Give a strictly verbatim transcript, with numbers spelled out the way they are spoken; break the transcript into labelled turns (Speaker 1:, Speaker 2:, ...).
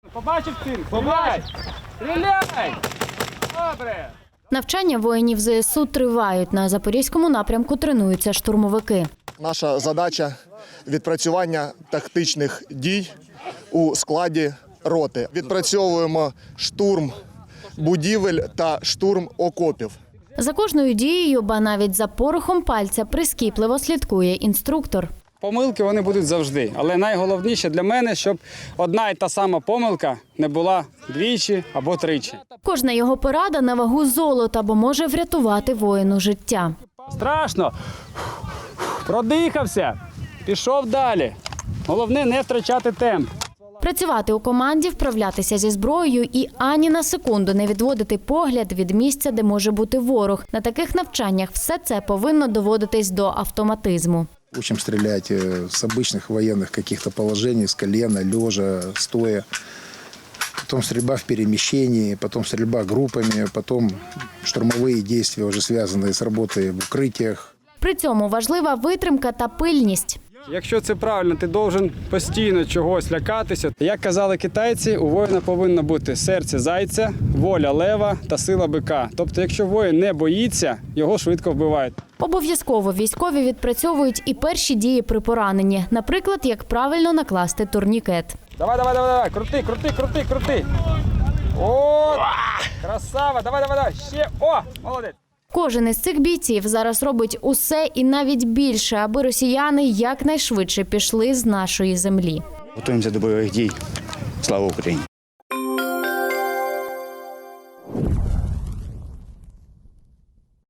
Speaker 1: Побачив цирк? Побач! Стріляй! Добре!
Speaker 2: Навчання воїнів зе ес у тривають. На Запорізькому напрямку тренуються штурмовики.
Speaker 3: Наша задача – відпрацювання тактичних дій у складі роти. Відпрацьовуємо штурм будівель та штурм окопів.
Speaker 2: За кожною дією, ба навіть за порохом пальця, прискіпливо слідкує інструктор.
Speaker 1: Помилки вони будуть завжди, але найголовніше для мене, щоб одна і та сама помилка не була двічі або тричі.
Speaker 2: Кожна його порада на вагу золота, бо може врятувати воїну життя.
Speaker 1: Страшно. Продихався. Пішов далі. Головне не втрачати темп.
Speaker 2: Працювати у команді, вправлятися зі зброєю і ані на секунду не відводити погляд від місця, де може бути ворог. На таких навчаннях все це повинно доводитись до автоматизму.
Speaker 4: Учим стрелять с обычных военных каких-то положений, с колена, лежа, стоя. Потом стрельба в перемещении, потом стрельба группами, потом штурмовые действия, уже связанные с работой в укрытиях.
Speaker 2: При цьому важлива витримка та пильність.
Speaker 1: Якщо це правильно, ти должен постійно чогось лякатися. Як казали китайці, у воїна повинно бути серце зайця, воля лева та сила бика. Тобто, якщо воїн не боїться, його швидко вбивають.
Speaker 2: Обов'язково військові відпрацьовують і перші дії при пораненні. Наприклад, як правильно накласти турнікет.
Speaker 1: Давай, давай, давай, давай, крути, крути, крути, крути. О, красава, давай, давай, давай, ще, о, молодець.
Speaker 2: Кожен із цих бійців зараз робить усе і навіть більше, аби росіяни якнайшвидше пішли з нашої землі.
Speaker 5: Готуємося до бойових дій. Слава Україні!